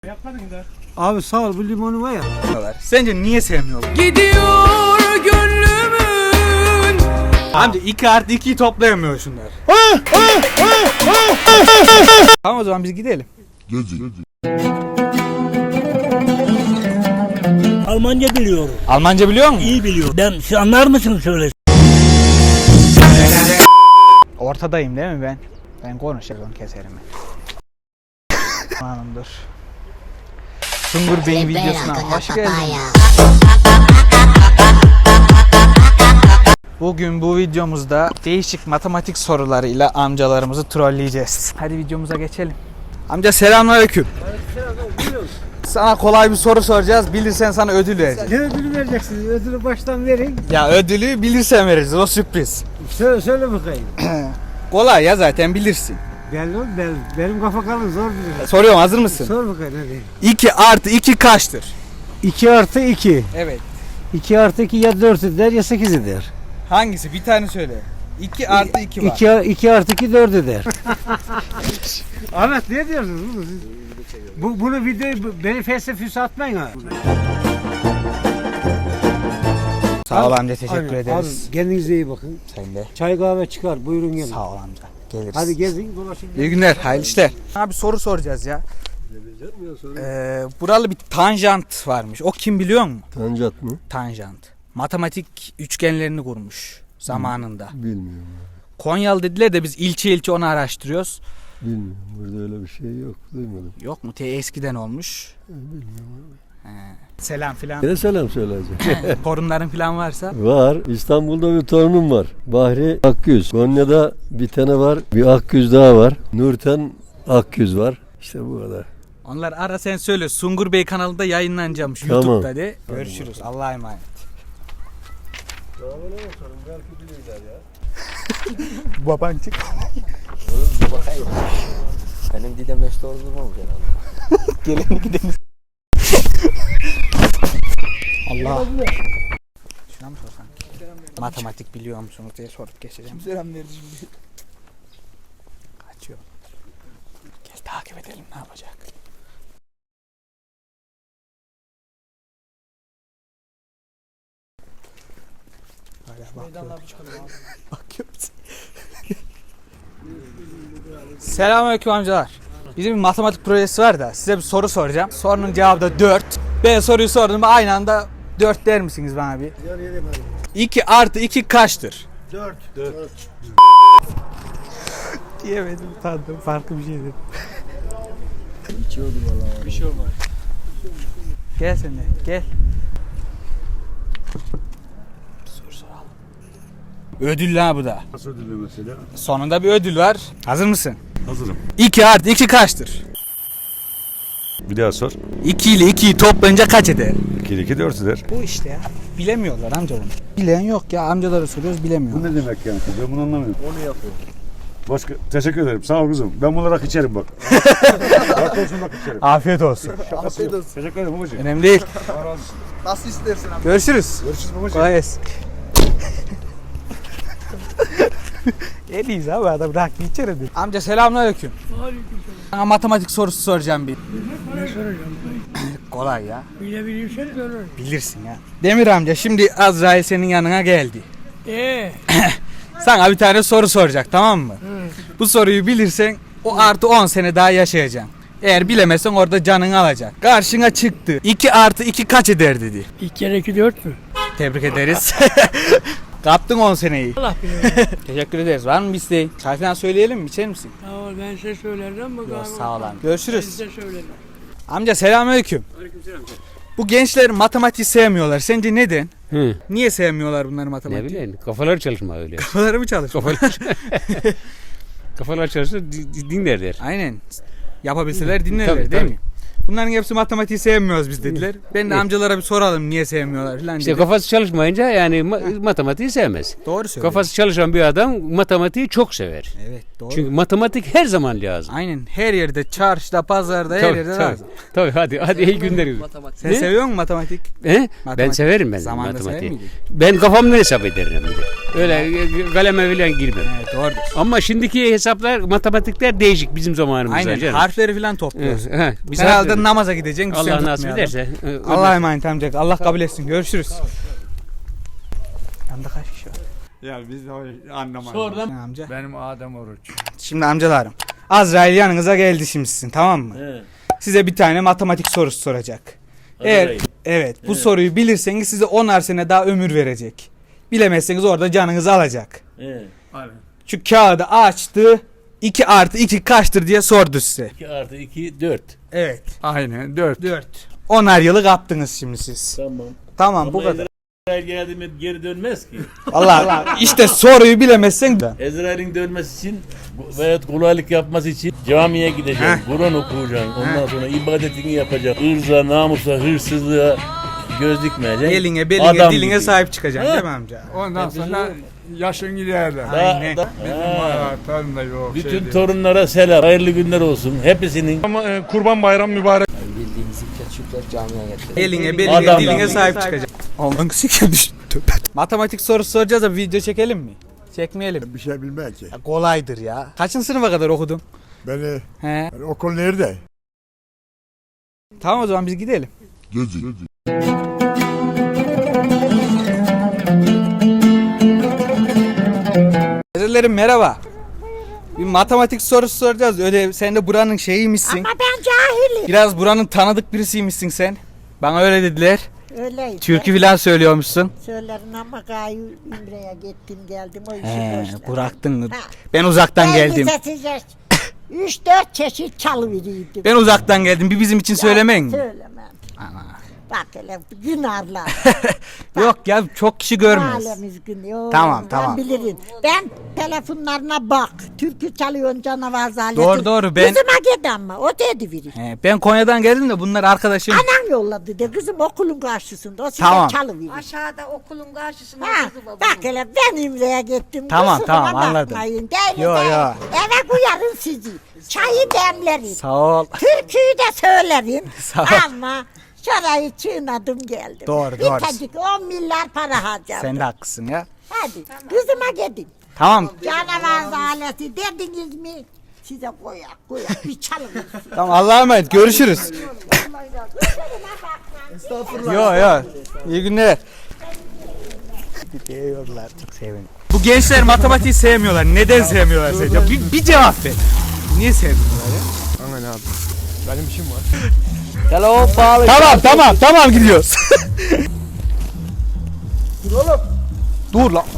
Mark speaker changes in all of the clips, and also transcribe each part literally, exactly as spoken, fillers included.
Speaker 1: Yapmadın da.
Speaker 2: Abi sağ ol, bu limonu var ya.
Speaker 3: Sence niye sevmiyorlar?
Speaker 4: Gidiyor gönlümün.
Speaker 3: Amca iki artı ikiyi toplayamıyor şunlar. Tamam o zaman biz gidelim.
Speaker 1: Almanca biliyorum.
Speaker 3: Almanca biliyor musun?
Speaker 1: İyi biliyorum. Ben siz anlar mısınız söyle?
Speaker 3: Ortadayım değil mi ben? Ben konuşacağım keserim. Hanımdır. Sungur Bey'in videosuna hoş geldin. Bugün bu videomuzda değişik matematik sorularıyla amcalarımızı trolleyeceğiz. Hadi videomuza geçelim. Amca selamünaleyküm. Sana kolay bir soru soracağız. Bilirsen sana ödül vereceğiz.
Speaker 2: Ne ödülü vereceksiniz? Ödülü baştan verin.
Speaker 3: Ya ödülü bilirsen veririz. O sürpriz.
Speaker 2: Söyle, söyle bakayım.
Speaker 3: Kolay ya zaten bilirsin.
Speaker 2: Belli oğlum, belli. Benim kafa kalın, zor bilir.
Speaker 3: Soruyorum, hazır mısın?
Speaker 2: Sor bakayım hadi.
Speaker 3: iki artı iki kaçtır?
Speaker 2: iki artı iki.
Speaker 3: Evet.
Speaker 2: iki artı iki ya dört eder ya sekiz eder.
Speaker 3: Hangisi? Bir tane söyle. iki artı iki var.
Speaker 2: iki, iki artı iki dört eder. Ahmet ne diyorsunuz? Bu, bu bunu videoyu bu- beni felsefesi atmayın ha.
Speaker 3: Sağ ol
Speaker 2: Abi,
Speaker 3: amca, teşekkür
Speaker 2: Aynen.
Speaker 3: ederiz.
Speaker 2: Abi, kendinize iyi bakın.
Speaker 3: Sen de.
Speaker 2: Çay kahve çıkar, buyurun gelin.
Speaker 3: Sağ ol amca. Geliriz.
Speaker 2: Hadi gezin, dolaşın.
Speaker 3: İyi günler, hayırlı işler. Abi soru soracağız ya. Ee, buralı bir tanjant varmış. O kim biliyor musun?
Speaker 5: Tanjant mı?
Speaker 3: Tanjant. Matematik üçgenlerini kurmuş zamanında.
Speaker 5: Bilmiyorum.
Speaker 3: Konyalı dediler de biz ilçe ilçe onu araştırıyoruz.
Speaker 5: Bilmiyorum. Burada öyle bir şey yok. Duymadım.
Speaker 3: Yok mu? Te eskiden olmuş.
Speaker 5: Bilmiyorum.
Speaker 3: He. Selam filan.
Speaker 5: Ne selam söyleyeceğim.
Speaker 3: Torunların filan varsa.
Speaker 5: Var. İstanbul'da bir torunum var. Bahri Akgüz. Konya'da bir tane var. Bir Akgüz daha var. Nurten Akgüz var. İşte bu kadar.
Speaker 3: Onlar ara sen söyle. Sungur Bey kanalında yayınlanacakmış.
Speaker 5: Tamam.
Speaker 3: YouTube'da de. Görüşürüz. Allah'a emanet. Babancık.
Speaker 6: Benim didem beş doğru durmamış herhalde.
Speaker 3: Geleni gideniz. Allah. Şuna mı sorsan? Matematik biliyor musunuz diye sorup geçeceğim. Selam verdi şimdi. Kaçıyor. Gel takip edelim ne yapacak. Hala bakıyor. Bakıyor musun? Selamünaleyküm amcalar. Bizim bir matematik projesi var da size bir soru soracağım. Sorunun cevabı da dört. Ben soruyu sordum aynı anda dört der misiniz bana bir? iki artı iki kaçtır?
Speaker 2: dört.
Speaker 3: Diyemedim, utandım. Farklı bir şey dedim.
Speaker 6: İçiyordu valla.
Speaker 3: Bir şey olmaz. Gel sen de gel. Soru soralım. Ödül ha bu da.
Speaker 7: Nasıl ödülü mesela?
Speaker 3: Sonunda bir ödül var. Hazır mısın?
Speaker 7: Hazırım.
Speaker 3: iki artı iki kaçtır?
Speaker 7: Bir daha sor.
Speaker 3: iki ile ikiyi toplayınca kaç eder?
Speaker 7: iki ile iki dört eder.
Speaker 3: Bu işte ya. Bilemiyorlar amca bunu. Bilen yok ya, amcalara soruyoruz bilemiyor.
Speaker 7: Bu ne demek yani? Ben bunu anlamıyorum. Onu yapıyor. Başka, teşekkür ederim. Sağ ol kızım. Ben bunları rak içerim bak. Bak olsun bak içerim.
Speaker 3: Afiyet olsun.
Speaker 7: Afiyet olsun. Teşekkür ederim babacığım.
Speaker 3: Önemli değil.
Speaker 7: Allah razı olsun.
Speaker 3: Nasıl istersin abi? Görüşürüz.
Speaker 7: Görüşürüz babacığım.
Speaker 3: Kolay gelsin. En iyisi abi, adam rakı içerim. Amca selamünaleyküm.
Speaker 1: Aleykümselam.
Speaker 3: Sana matematik sorusu soracağım bir.
Speaker 1: Ne soracağım?
Speaker 3: Kolay ya.
Speaker 1: Bilebilirsen sorarım.
Speaker 3: Bilirsin ya. Demir amca şimdi Azrail senin yanına geldi.
Speaker 1: Eee?
Speaker 3: Sana bir tane soru soracak, tamam mı? Bu soruyu bilirsen o artı on sene daha yaşayacaksın. Eğer bilemezsen orada canını alacak. Karşına çıktı. iki artı iki kaç eder dedi.
Speaker 1: İki kere iki dört mü?
Speaker 3: Tebrik ederiz. Kaptın on seneyi.
Speaker 1: Allah bilir.
Speaker 3: Teşekkür ederiz. Var mı bir isteğin? Çay falan söyleyelim mi? İçer misin?
Speaker 1: Sağ ol, ben size söylerim. Bak
Speaker 3: Yok,
Speaker 1: abi.
Speaker 3: sağ ol abi.
Speaker 1: Ben
Speaker 3: Görüşürüz.
Speaker 1: size söylerim.
Speaker 3: Amca selamünaleyküm.
Speaker 6: Aleykümselam.
Speaker 3: Bu gençler matematiği sevmiyorlar. Sence neden?
Speaker 6: Hı.
Speaker 3: Niye sevmiyorlar bunları
Speaker 6: Ne
Speaker 3: matematiği?
Speaker 6: bileyim, kafaları çalışma öyle.
Speaker 3: Kafaları mı çalışıyor?
Speaker 6: Kafalar, kafalar çalışır, di- di- dinlerler.
Speaker 3: Aynen. Yapabilseler dinlerler
Speaker 6: Tabii,
Speaker 3: değil
Speaker 6: tabii.
Speaker 3: mi? Bunların hepsi matematiği sevmiyoruz biz dediler. Ben de amcalara bir soralım niye sevmiyorlar falan
Speaker 6: İşte
Speaker 3: dedim.
Speaker 6: kafası çalışmayınca yani ma- matematiği sevmez.
Speaker 3: Doğru söylüyorsun.
Speaker 6: Kafası çalışan bir adam matematiği çok sever.
Speaker 3: Evet doğru.
Speaker 6: Çünkü matematik her zaman lazım.
Speaker 3: Aynen her yerde, çarşıda, pazarda her
Speaker 6: Tabii,
Speaker 3: yerde
Speaker 6: tabii.
Speaker 3: lazım.
Speaker 6: Tabii hadi hadi iyi günler.
Speaker 3: Sen
Speaker 6: Ne?
Speaker 3: seviyor musun matematik?
Speaker 6: He? Ben
Speaker 3: Matematik.
Speaker 6: severim ben
Speaker 3: Zamanında sever
Speaker 6: matematiği.
Speaker 3: miydin?
Speaker 6: Ben kafamla hesap ederim bir de. Öyle e, kaleme falan girmem.
Speaker 3: Evet doğrudur.
Speaker 6: Ama şimdiki hesaplar, matematikler değişik bizim zamanımızda
Speaker 3: Aynen
Speaker 6: canım.
Speaker 3: harfleri falan topluyoruz.
Speaker 6: He, he.
Speaker 3: Biz
Speaker 6: Biz
Speaker 3: herhalde da namaza gideceksin.
Speaker 6: Allah
Speaker 3: sen
Speaker 6: nasip
Speaker 3: tutmayalım.
Speaker 6: ederse. e,
Speaker 3: Allah'a emanet amca. Allah kabul etsin. Görüşürüz. Yanında kaç kişi var?
Speaker 2: Ya biz de anlamadık.
Speaker 6: Sonradan
Speaker 3: Amca.
Speaker 2: Benim Adem Oruç.
Speaker 3: Şimdi amcalarım. Azrail yanınıza geldi şimdi sizin, tamam mı?
Speaker 6: He.
Speaker 3: Size bir tane matematik sorusu soracak. Eğer
Speaker 6: Azrail.
Speaker 3: evet bu soruyu bilirseniz size onar sene daha ömür verecek. Bilemezseniz orada canınızı alacak.
Speaker 6: He.
Speaker 3: Şu kağıdı açtı. iki artı iki kaçtır diye sordu size.
Speaker 6: iki artı iki dört.
Speaker 3: Evet.
Speaker 2: Aynen dört.
Speaker 3: dört. onar yılı kaptınız şimdi siz.
Speaker 6: Tamam.
Speaker 3: Tamam bu kadar.
Speaker 6: Ezrail geldi mi geri dönmez ki.
Speaker 3: Allah işte soruyu bilemezsen de.
Speaker 6: Ezrail'in dönmesi için veya kolaylık yapması için camiye gideceksin. Kur'an okuyacaksın. Ondan sonra ibadetini yapacaksın. Irza, namusa, hırsızlığa göz dikmeyeceksin.
Speaker 3: Eline, beline,
Speaker 6: Adam
Speaker 3: diline
Speaker 6: gibi.
Speaker 3: sahip çıkacaksın değil mi amca?
Speaker 2: Ondan sonra yaşın giderler.
Speaker 6: Daha-
Speaker 3: Aynen.
Speaker 6: da-
Speaker 2: Bizim
Speaker 6: Ha.
Speaker 2: hayatlarım da yok.
Speaker 6: Bütün
Speaker 2: şey değil.
Speaker 6: torunlara selam. Hayırlı günler olsun. Hepsinin.
Speaker 7: Kurban bayramı mübarek.
Speaker 3: Eline, beline,
Speaker 6: Adam
Speaker 3: diline
Speaker 6: gibi.
Speaker 3: sahip çıkacaksın. Ondan sikim düştü. Matematik sorusu soracağız da video çekelim mi? Çekmeyelim.
Speaker 8: Bir şey bilmem ki.
Speaker 3: Ya kolaydır ya. Kaçıncı sınıfa kadar okudun?
Speaker 8: Beni,
Speaker 3: He.
Speaker 8: beni okul nerede?
Speaker 3: Tamam o zaman biz gidelim.
Speaker 8: Gezi.
Speaker 3: Hazırlarım merhaba. Bir matematik sorusu soracağız. Öyle sen de buranın şeyiymişsin.
Speaker 9: Ama ben cahilim.
Speaker 3: Biraz buranın tanıdık birisiymişsin sen. Bana öyle dediler.
Speaker 9: Öyleydi.
Speaker 3: Türkü falan söylüyormuşsun.
Speaker 9: Söylerin ama gayi Ümre'ye gittim geldim o işi
Speaker 3: He,
Speaker 9: boşver.
Speaker 3: bıraktın mı?
Speaker 9: Ha.
Speaker 3: Ben uzaktan
Speaker 9: Ben
Speaker 3: geldim.
Speaker 9: lisesice üç dört çeşit çalıveriydim.
Speaker 3: Ben uzaktan geldim. Bir bizim için söylemeyin mi?
Speaker 9: Söylemem. Bak hele günarlar.
Speaker 3: Yok ya çok kişi görmez.
Speaker 9: Mahallemiz gün. Yok,
Speaker 3: Tamam,
Speaker 9: ben
Speaker 3: tamam.
Speaker 9: bilirim. Ben telefonlarına bak. Türkü çalıyorsun canavar zaleti.
Speaker 3: Doğru, doğru, ben-
Speaker 9: Kızıma git ama o dedi biri.
Speaker 3: He, ben Konya'dan geldim de bunlar arkadaşım.
Speaker 9: Anan yolladı de kızım okulun karşısında. O size
Speaker 3: Tamam.
Speaker 9: çalıverir.
Speaker 10: Aşağıda okulun karşısında
Speaker 9: Ha,
Speaker 10: kızı var.
Speaker 9: bak hele ben İmre'ye gittim.
Speaker 3: Tamam,
Speaker 9: kusuruma
Speaker 3: tamam, anladım.
Speaker 9: bakmayın. Değil
Speaker 3: Yo,
Speaker 9: değil.
Speaker 3: yo.
Speaker 9: Eve koyarım sizi. Çayı demlerim.
Speaker 3: Sağ ol.
Speaker 9: Türküyü de söylerim.
Speaker 3: Sağ ol.
Speaker 9: Ama şurayı çiğnadım geldim.
Speaker 3: Doğru,
Speaker 9: Bir
Speaker 3: doğru.
Speaker 9: tacık on milyar para harcadım.
Speaker 3: Sen de haklısın ya.
Speaker 9: Hadi kızıma gidin.
Speaker 3: Tamam.
Speaker 9: Canavar zaleti dediniz mi? Size koyak koyak bir çalın.
Speaker 3: Tamam Allah'a emanet. Görüşürüz. Yo yo. İyi günler. Gidiyorlar. Çok sevindim. Bu gençler matematiği sevmiyorlar. Neden sevmiyorlar sence? Bir, bir cevap ver. Niye sevmiyorlar ya?
Speaker 8: Aman abi. Benim işim var.
Speaker 3: Hello Paul. Tamam tamam tamam gidiyoruz. Dur oğlum. Dur lan.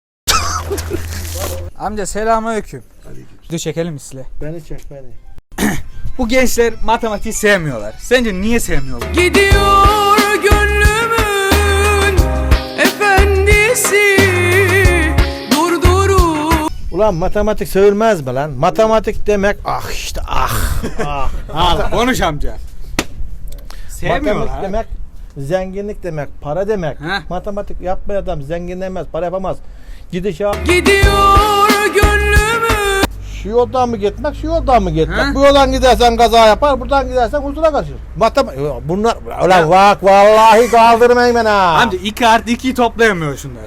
Speaker 3: Amca selamünaleyküm. Video çekelim mi size?
Speaker 8: Beni çek beni.
Speaker 3: Bu gençler matematiği sevmiyorlar. Sence niye sevmiyorlar?
Speaker 4: Gidiyor gönlümün efendisi durdurun.
Speaker 8: Ulan matematik sevilmez mi lan? Matematik demek ah işte ah. ah.
Speaker 3: Al konuş amca. Sevmiyorlar.
Speaker 8: Matematik demek zenginlik demek, para demek.
Speaker 3: Heh.
Speaker 8: Matematik yapmayan adam zenginlemez, para yapamaz. Gidişat
Speaker 4: Gidiyor gönlümün.
Speaker 8: şu yoldan mı gitmek, şu yoldan mı gitmek?
Speaker 3: Heh.
Speaker 8: Bu yoldan gidersen kaza yapar, buradan gidersen huzura kaçır. Matematik bunlar ulan bak vallahi kaldırmayın beni ha.
Speaker 3: Amca iki artı ikiyi toplayamıyor şunlar.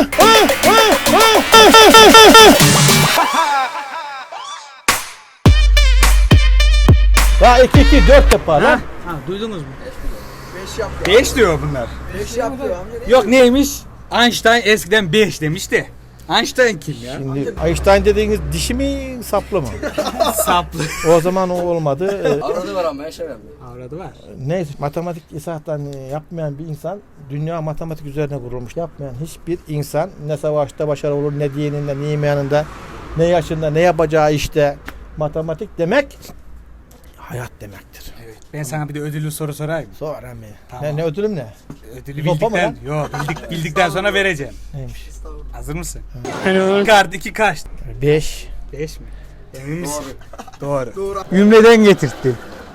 Speaker 8: Ya iki iki dört yapar
Speaker 3: Ha?
Speaker 8: lan.
Speaker 3: Ha duydunuz mu? beş yapıyor. beş diyor bunlar. beş yapıyor amca. Yok neymiş? Einstein eskiden beş demiş de. Einstein kim ya?
Speaker 8: Şimdi Einstein dediğiniz dişi mi saplı mı?
Speaker 3: Saplı.
Speaker 8: O zaman o olmadı. Ee,
Speaker 11: Avradı var ama yaşamıyorum.
Speaker 3: Avradı var.
Speaker 8: Neyse matematik esasdan yapmayan bir insan dünya matematik üzerine kurulmuş. Yapmayan hiçbir insan ne savaşta başarılı olur, ne dininde, ne imanında, ne yaşında, ne yapacağı işte. Matematik demek hayat demektir.
Speaker 3: Evet. Ben sana bir de ödüllü soru sorayım.
Speaker 8: Sonra mı?
Speaker 3: Tamam.
Speaker 8: Ne, ne ödülüm ne?
Speaker 3: Ödülü
Speaker 8: Zopa mı
Speaker 3: bildikten, yok bildik, bildikten sonra vereceğim.
Speaker 8: Neymiş?
Speaker 3: Hazır mısın? Kart iki kaç?
Speaker 8: Beş.
Speaker 3: beş mi? Emin misin? Doğru. Doğru. Ümreden getirttim.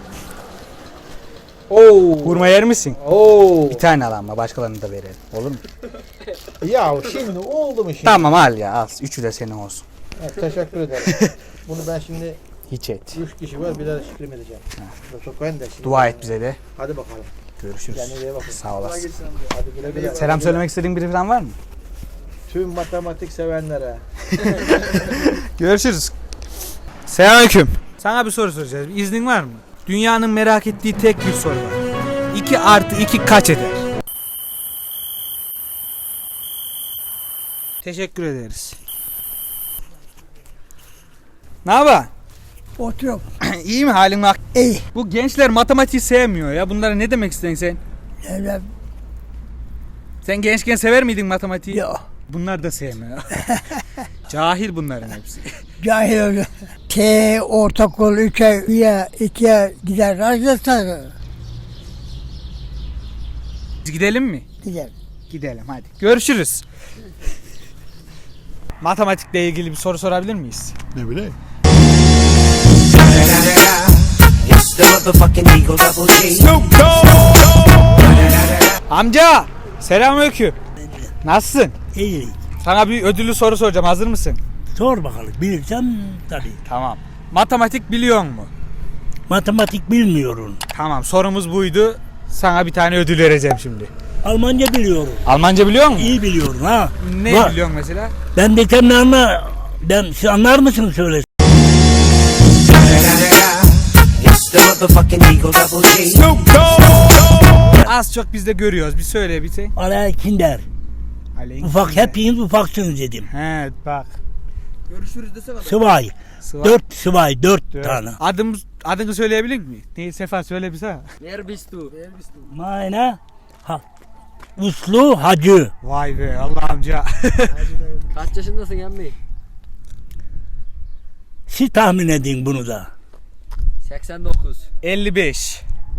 Speaker 8: Oo.
Speaker 3: Kurma yer misin?
Speaker 8: Oo.
Speaker 3: Bir tane al ama başkalarını da verelim. Olur mu?
Speaker 8: Ya şimdi oldu mu şimdi?
Speaker 3: Tamam al ya al. Üçü de senin olsun.
Speaker 8: Evet, teşekkür ederim. Bunu ben şimdi
Speaker 3: Hiç et.
Speaker 8: üç kişi var bir de şükür edeceğim. Çok koyun da şimdi.
Speaker 3: Dua et bize de.
Speaker 8: Hadi bakalım.
Speaker 3: Görüşürüz.
Speaker 8: Kendine iyi bakın.
Speaker 3: Sağ olasın.
Speaker 8: Hadi güle güle.
Speaker 3: Selam söylemek istediğin biri falan var mı?
Speaker 8: Tüm matematik sevenlere.
Speaker 3: Görüşürüz. Selamünaleyküm. Sana bir soru soracağız. İznin var mı? Dünyanın merak ettiği tek bir soru var. iki artı iki kaç eder? Teşekkür ederiz. Ne haber?
Speaker 1: Oturuyorum.
Speaker 3: İyi mi halin bak?
Speaker 1: İyi.
Speaker 3: Bu gençler matematiği sevmiyor ya. Bunlara ne demek istedin sen?
Speaker 1: Öyle
Speaker 3: Sen gençken sever miydin matematiği?
Speaker 1: yok.
Speaker 3: Bunlar da sevmiyor. Cahil bunların hepsi.
Speaker 1: Cahil öyle. T ortaokul üçe, üye, ikiye gider. Arkadaşlar
Speaker 3: Biz gidelim mi?
Speaker 1: gider.
Speaker 3: Gidelim hadi. Görüşürüz. Matematikle ilgili bir soru sorabilir miyiz?
Speaker 7: Ne bileyim.
Speaker 3: Amca! Selamünaleyküm. Nasılsın?
Speaker 11: İyi.
Speaker 3: Sana bir ödüllü soru soracağım. Hazır mısın?
Speaker 11: Sor bakalım. Bilirsem tabii.
Speaker 3: Tamam. Matematik biliyor mu?
Speaker 11: Matematik bilmiyorum.
Speaker 3: Tamam. Sorumuz buydu. Sana bir tane ödül vereceğim şimdi.
Speaker 11: Almanca biliyorum.
Speaker 3: Almanca biliyor musun?
Speaker 11: İyi biliyorum ha.
Speaker 3: Ne
Speaker 11: Bak,
Speaker 3: biliyorsun mesela?
Speaker 11: ben desem ne anla? Ben, siz anlar mısın söyle?
Speaker 3: Az çok biz de görüyoruz. Bir söyle bir şey.
Speaker 11: Alay Kinder.
Speaker 3: Aleyküm.
Speaker 11: Ufak hepiniz ufaksınız dedim.
Speaker 3: He bak. Görüşürüz desene.
Speaker 11: Sıvay.
Speaker 3: Sıvay.
Speaker 11: Dört sıvay. Dört,
Speaker 3: Dört.
Speaker 11: tane.
Speaker 3: Adım, adını söyleyebilir mi? Değil Sefa söyle bir sana.
Speaker 11: Mayna. Ha. Uslu hacı.
Speaker 3: Vay be Allah amca.
Speaker 12: Kaç yaşındasın emmi?
Speaker 11: Siz tahmin edin bunu da.
Speaker 12: seksen dokuz.
Speaker 3: elli beş.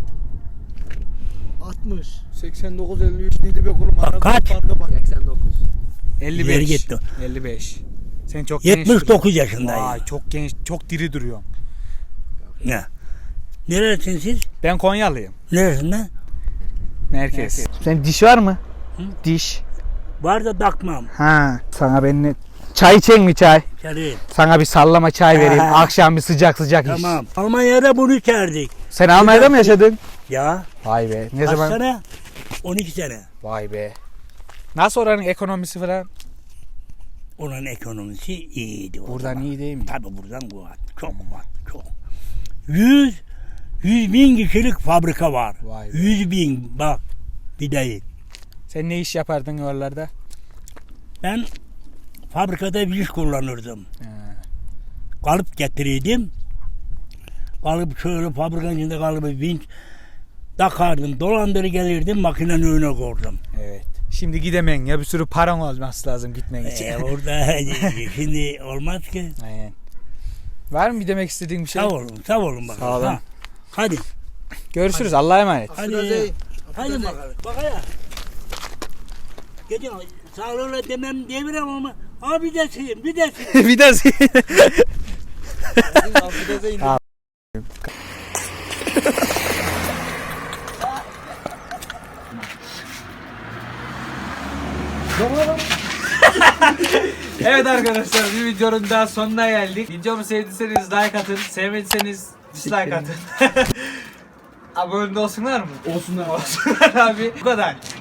Speaker 8: altmış.
Speaker 1: seksen dokuz elli üç neydi be kurum?
Speaker 11: Bak kaç?
Speaker 12: seksen dokuz.
Speaker 3: elli
Speaker 11: İleri
Speaker 3: beş.
Speaker 11: gitti.
Speaker 3: elli beş. Sen çok
Speaker 11: yetmiş
Speaker 3: genç
Speaker 11: dokuz
Speaker 3: duruyorsun.
Speaker 11: yaşındayım.
Speaker 3: Vay çok genç, çok diri duruyorsun.
Speaker 11: Ne? Neresin siz?
Speaker 3: Ben Konyalıyım.
Speaker 11: Neresinden?
Speaker 3: Merkez. Senin diş var mı? Diş.
Speaker 11: Var da takmam.
Speaker 3: Ha. Sana ben ne? Çay içen mi çay?
Speaker 11: Çarı.
Speaker 3: Sana bir sallama çay vereyim.
Speaker 11: Ha.
Speaker 3: Akşam bir sıcak sıcak iç.
Speaker 11: Tamam. Almanya'da bunu içerdik.
Speaker 3: Sen Almanya'da mı yaşadın?
Speaker 11: Ya.
Speaker 3: Vay be. Ne
Speaker 11: Kaç
Speaker 3: zaman?
Speaker 11: sene? on iki sene.
Speaker 3: Vay be. Nasıl oranın ekonomisi falan?
Speaker 11: Onun ekonomisi iyiydi. O
Speaker 3: Buradan
Speaker 11: zaman.
Speaker 3: iyi değil mi?
Speaker 11: Tabii buradan kuvvet. Çok kuvvet. Çok. Yüz, yüz bin kişilik fabrika var.
Speaker 3: Vay be.
Speaker 11: Yüz bin bak. Bir değil.
Speaker 3: Sen ne iş yapardın oralarda?
Speaker 11: Ben fabrikada bir iş kullanırdım.
Speaker 3: He.
Speaker 11: Kalıp getirirdim. Kalıp şöyle fabrikanın içinde kalıbı vinç takardım. Dolandırı gelirdim makinenin önüne koydum.
Speaker 3: Evet. Şimdi gidemen ya bir sürü paran olması lazım gitmen için.
Speaker 11: Ee, orada şimdi olmaz ki.
Speaker 3: Aynen. Var mı bir demek istediğin bir şey?
Speaker 11: Sağ olun, sağ olun bakalım.
Speaker 3: Sağ olun.
Speaker 11: Ha, hadi.
Speaker 3: Görüşürüz. Allah'a emanet.
Speaker 11: Hadi. Hadi bakalım. Bak ya. Gece sağlığına demem diyebilirim ama abi desin, bir desin.
Speaker 3: bir de Evet arkadaşlar bir videonun daha sonuna geldik. Videomu sevdiyseniz like atın, sevmediyseniz dislike atın. Abone olsunlar mı? Olsunlar. Olsunlar abi. Bu kadar.